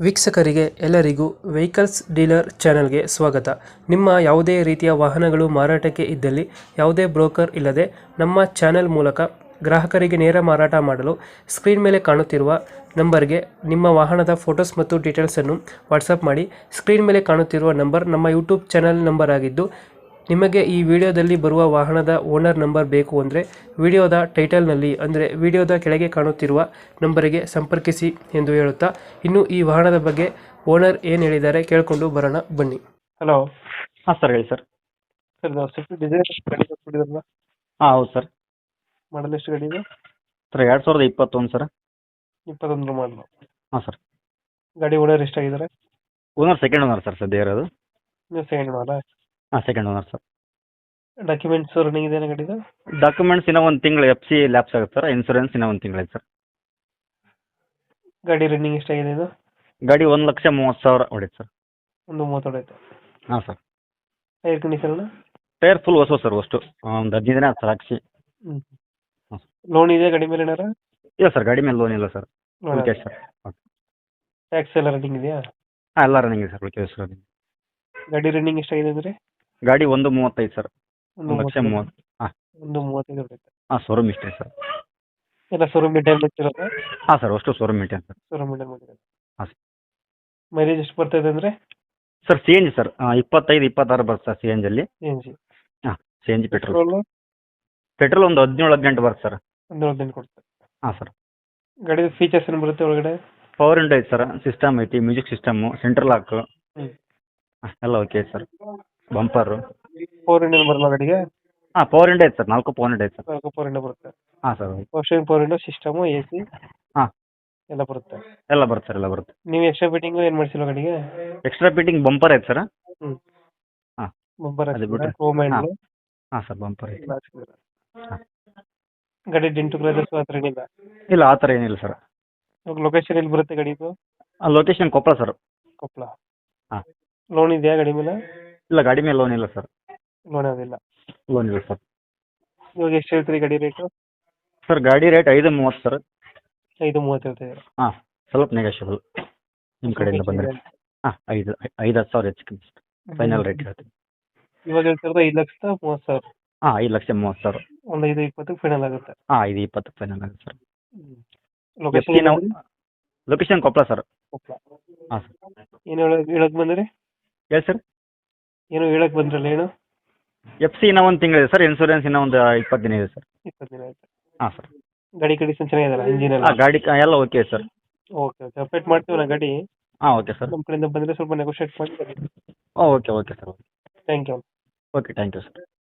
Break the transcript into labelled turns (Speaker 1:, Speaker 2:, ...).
Speaker 1: ವೀಕ್ಷಕರಿಗೆ ಎಲ್ಲರಿಗೂ vehicles dealer ಚಾನೆಲ್ಗೆ ಸ್ವಾಗತ. ನಿಮ್ಮ ಯಾವುದೇ ರೀತಿಯ ವಾಹನಗಳು ಮಾರಾಟಕ್ಕೆ ಇದ್ದಲ್ಲಿ ಯಾವುದೇ ಬ್ರೋಕರ್ ಇಲ್ಲದೆ ನಮ್ಮ ಚಾನೆಲ್ ಮೂಲಕ ಗ್ರಾಹಕರಿಗೆ ನೇರ ಮಾರಾಟ ಮಾಡಲು ಸ್ಕ್ರೀನ್ ಮೇಲೆ ಕಾಣುತ್ತಿರುವ ನಂಬರ್ಗೆ ನಿಮ್ಮ ವಾಹನದ ಫೋಟೋಸ್ ಮತ್ತು ಡೀಟೇಲ್ಸನ್ನು ವಾಟ್ಸಪ್ ಮಾಡಿ. ಸ್ಕ್ರೀನ್ ಮೇಲೆ ಕಾಣುತ್ತಿರುವ ನಂಬರ್ ನಮ್ಮ ಯೂಟ್ಯೂಬ್ ಚಾನೆಲ್ ನಂಬರ್ ಆಗಿದ್ದು, ನಿಮಗೆ ಈ ವಿಡಿಯೋದಲ್ಲಿ ಬರುವ ವಾಹನದ ಓನರ್ ನಂಬರ್ ಬೇಕು ಅಂದರೆ ವಿಡಿಯೋದ ಟೈಟಲ್ನಲ್ಲಿ ಅಂದರೆ ವಿಡಿಯೋದ ಕೆಳಗೆ ಕಾಣುತ್ತಿರುವ ನಂಬರಿಗೆ ಸಂಪರ್ಕಿಸಿ ಎಂದು ಹೇಳುತ್ತಾ, ಇನ್ನು ಈ ವಾಹನದ ಬಗ್ಗೆ ಓನರ್ ಏನು ಹೇಳಿದ್ದಾರೆ ಕೇಳಿಕೊಂಡು ಬರೋಣ ಬನ್ನಿ. ಹಲೋ
Speaker 2: ಹಾಂ ಸರ್, ಹೇಳಿ ಸರ್.
Speaker 1: ಸರ್, ನಾವು ಸ್ವಿಫ್ಟ್ ಡಿಸೈರ್ ಗಾಡಿ ಕೊಟ್ಟಿದ್ರಲ್ಲ,
Speaker 2: ಹಾಂ ಹೌದು ಸರ್.
Speaker 1: ಮಾಡಲ್ ಎಷ್ಟು ಗಾಡಿ ಇದೆ?
Speaker 2: Sir 2021 sir.
Speaker 1: 21 ಮಾಡಲು.
Speaker 2: ಹಾಂ ಸರ್.
Speaker 1: ಗಾಡಿ ಓನರ್ ಎಷ್ಟಾಗಿದ್ದಾರೆ?
Speaker 2: ಓನರ್ ಸೆಕೆಂಡ್ ಓನರ್ ಸರ್ ಸದ್ಯ ಇರೋದು.
Speaker 1: ನೀವು ಸೆಕೆಂಡ್ ಮಾಡಲ?
Speaker 2: ಹಾಂ second owner sir.
Speaker 1: Documents running ಇದೆ ಗಾಡಿದು?
Speaker 2: ಡಾಕ್ಯುಮೆಂಟ್ಸ್ ಇನ್ನೂ ಒಂದು ತಿಂಗಳು FC ಲ್ಯಾಪ್ಸ್ ಆಗುತ್ತೆ ಸರ್. ಇನ್ಸೂರೆನ್ಸ್ ಇನ್ನೂ ಒಂದು ತಿಂಗಳೈತೆ ಸರ್.
Speaker 1: ಗಾಡಿ ರನ್ನಿಂಗ್ ಎಷ್ಟಾಗಿದೆ ಇದು?
Speaker 2: ಗಾಡಿ 1,30,30,000 ಹೊಡೈತೆ ಸರ್.
Speaker 1: 1.30 ಹೊಡೆಯುತ್ತೆ.
Speaker 2: ಹಾಂ sir.
Speaker 1: Tyre condition?
Speaker 2: Tyre full ಹೊಸ ಸರ್, ಅಷ್ಟು ಒಂದು 15 ದಿನ ಆಯ್ತು ಸರ್ ಹಾಕ್ಸಿ. ಹಾಂ.
Speaker 1: ಲೋನ್ ಇದೆ ಗಾಡಿ ಮೇಲೆ ಏನಾರ?
Speaker 2: ಇಲ್ಲ ಸರ್, ಗಾಡಿ ಮೇಲೆ ಲೋನ್ ಇಲ್ಲ ಸರ್. Okay sir.
Speaker 1: ಟ್ಯಾಕ್ಸ್ ಎಲ್ಲ ರನ್ನಿಂಗ್ ಇದೆಯಾ?
Speaker 2: ಹಾಂ, ಎಲ್ಲ ರನ್ನಿಂಗ್ ಇದೆ ಸರ್. Okay sir.
Speaker 1: ಗಾಡಿ ರನ್ನಿಂಗ್ ಎಷ್ಟಾಗಿದೆ ಅಂದರೆ?
Speaker 2: ಗಾಡಿ 1,35 ಸರ್. 1,30,000. ಹಾಂ.
Speaker 1: 1.35 ಹೊಡೆಯುತ್ತೆ.
Speaker 2: ಹಾಂ, ಶೋರೂಮ್ ಇಷ್ಟೇ ಸರ್.
Speaker 1: ಎಲ್ಲ ಶೋರೂಮ್ ಮೇಂಟೈನ್ ಮಾಡ್ತಿರೋದು?
Speaker 2: ಹಾಂ ಸರ್, ಅಷ್ಟು showroom maintain sir.
Speaker 1: Showroom maintain ಮಾಡಿರೋದು.
Speaker 2: ಹಾಂ ಸರ್.
Speaker 1: ಮೈಲೇಜ್ ಎಷ್ಟು ಬರ್ತಾ ಇದೆ ಅಂದರೆ?
Speaker 2: ಸರ್ CNG ಸರ್, 25-26 ಬರುತ್ತೆ ಸರ್ CNG ಅಲ್ಲಿ.
Speaker 1: CNG.
Speaker 2: ಹಾಂ, CNG ಪೆಟ್ರೋಲ್.
Speaker 1: ಪೆಟ್ರೋಲು
Speaker 2: ಪೆಟ್ರೋಲ್ ಒಂದು 17-18 ಬರುತ್ತೆ ಸರ್.
Speaker 1: 17 ಕೊಡ್ತಾರೆ.
Speaker 2: ಹಾಂ ಸರ್.
Speaker 1: ಗಾಡಿ ಫೀಚರ್ಸ್ ಏನು ಬರುತ್ತೆ ಒಳಗಡೆ?
Speaker 2: ಪವರ್ ವಿಂಡೋ ಐತೆ ಸರ್, ಸಿಸ್ಟಮ್ ಐತಿ, ಮ್ಯೂಸಿಕ್ ಸಿಸ್ಟಮು, ಸೆಂಟ್ರಲ್ ಲಾಕು, ಎಲ್ಲ ಓಕೆ ಐತೆ ಸರ್. ಬಂಪರು.
Speaker 1: 4 ಇಂಡಿಯನ್ ಬರಲ್ಲ ಗಾಡಿಗೆ?
Speaker 2: ಹಾಂ, ಪವರ್ ವಿಂಡೋ ಐತೆ ಸರ್. 4 ಪವರ್ ವಿಂಡೋ ಐತೆ ಸರ್.
Speaker 1: 4 4 ಇಂಡಿಯನ್ ಬರುತ್ತೆ.
Speaker 2: ಹಾಂ sir.
Speaker 1: Power power window system, AC
Speaker 2: ಹಾಂ,
Speaker 1: ಎಲ್ಲ ಬರುತ್ತೆ.
Speaker 2: ಎಲ್ಲ ಬರುತ್ತೆ ಸರ್, ಎಲ್ಲ ಬರುತ್ತೆ.
Speaker 1: ನೀವು ಎಕ್ಸ್ಟ್ರಾ ಫಿಟ್ಟಿಂಗು ಏನು ಮಾಡಿಸಿಲ್ಲ ಗಾಡಿಗೆ?
Speaker 2: ಎಕ್ಸ್ಟ್ರಾ ಫಿಟ್ಟಿಂಗ್ ಬಂಪರ್ ಐತೆ ಸರ್.
Speaker 1: ಹ್ಞೂ.
Speaker 2: ಹಾಂ,
Speaker 1: ಬಂಪರ್
Speaker 2: ಅದು ಬಿಟ್ಟರೆ
Speaker 1: ಕ್ರೋಮ್ ಹ್ಯಾಂಡ್ಲು.
Speaker 2: ಹಾಂ ಸರ್, ಬಂಪರ್ ಐತೆ. ಹಾಂ.
Speaker 1: ಗಾಡಿ ಡೆಂಟು ಕ್ರಾಚಸ್ ಆ ಥರ ಏನಿಲ್ಲ?
Speaker 2: ಇಲ್ಲ, ಆ ಥರ ಏನಿಲ್ಲ ಸರ್.
Speaker 1: ಲೊಕೇಶನ್ ಎಲ್ಲಿ ಬರುತ್ತೆ ಗಾಡಿದು?
Speaker 2: Location Koppal sir.
Speaker 1: ಕೊಪ್ಪಳ.
Speaker 2: ಹಾಂ.
Speaker 1: ಲೋನ್ ಇದೆಯಾ ಗಾಡಿ ಮೇಲೆ?
Speaker 2: ಇಲ್ಲ, ಗಾಡಿ ಮೇಲೆ ಲೋನ್ ಇಲ್ಲ ಸರ್.
Speaker 1: ಲೋನ್ ಯಾವುದಿಲ್ಲ.
Speaker 2: ಲೋನ್ ಇಲ್ಲ ಸರ್.
Speaker 1: ಇವಾಗ ಎಷ್ಟು ಹೇಳ್ತೀರಿ ಗಾಡಿ ರೇಟು?
Speaker 2: ಸರ್, ಗಾಡಿ ರೇಟ್ 5,30 ಸರ್.
Speaker 1: 5.30 ಹೇಳ್ತಿದ್ದೀರಾ?
Speaker 2: ಹಾಂ, ಸ್ವಲ್ಪ ನೆಗೋಷಿಯಬಲ್ ನಿಮ್ಮ ಕಡೆಯಿಂದ ಬಂದರೆ. ಹಾಂ, 5-10 ಸಾವಿರ ಹೆಚ್ಚು ಕಮ್ಮಿ ಫೈನಲ್ ರೇಟ್ ಹೇಳ್ತೀನಿ.
Speaker 1: ಇವಾಗ ಹೇಳ್ತಿರೋದು 5,30,000.
Speaker 2: ಹಾಂ, 5,30,000.
Speaker 1: ಒಂದು 5.20 ಫೈನಲ್ ಆಗುತ್ತೆ.
Speaker 2: ಹಾಂ, 5,20 ಫೈನಲ್ ಆಗುತ್ತೆ ಸರ್.
Speaker 1: ಲೊಕೇಶನ್
Speaker 2: ನಾವು ಲೊಕೇಶನ್ ಕೊಪ್ಪಳ ಸರ್.
Speaker 1: ಕೊಪ್ಪಳ.
Speaker 2: ಹಾಂ ಸರ್.
Speaker 1: ಏನು ಹೇಳಕ್ ಬಂದ್ರಿ?
Speaker 2: ಹೇಳಿ ಸರ್.
Speaker 1: ಏನು ಹೇಳಕ್ ಬಂದ್ರಲ್ಲ, ಏನು?
Speaker 2: FC ಇನ್ನೂ ಒಂದು ತಿಂಗಳಿದೆ ಸರ್. ಇನ್ಸೂರೆನ್ಸ್ ಇನ್ನೂ ಒಂದು 20 ದಿನ ಇದೆ ಸರ್.
Speaker 1: 20 ದಿನ ಆಯ್ತು.
Speaker 2: ಹಾಂ ಸರ್.
Speaker 1: ಗಾಡಿ ಕಂಡೀಷನ್ ಚೆನ್ನಾಗಿದೆಯಲ್ಲ, ಇಂಜಿನ್ ಎಲ್ಲ?
Speaker 2: ಹಾಂ, ಗಾಡಿ ಎಲ್ಲ okay sir.
Speaker 1: Okay okay, update ಮಾಡ್ತೀವಿ ನಾ ಗಾಡಿ.
Speaker 2: ಹಾಂ, ಓಕೆ ಸರ್.
Speaker 1: ನಮ್ಮ ಕಡೆಯಿಂದ ಬಂದರೆ ಸ್ವಲ್ಪ ನೆಗೋಷಿಯೇಟ್ ಮಾಡಿ.
Speaker 2: Okay okay sir.
Speaker 1: Thank you.
Speaker 2: Okay, thank you sir.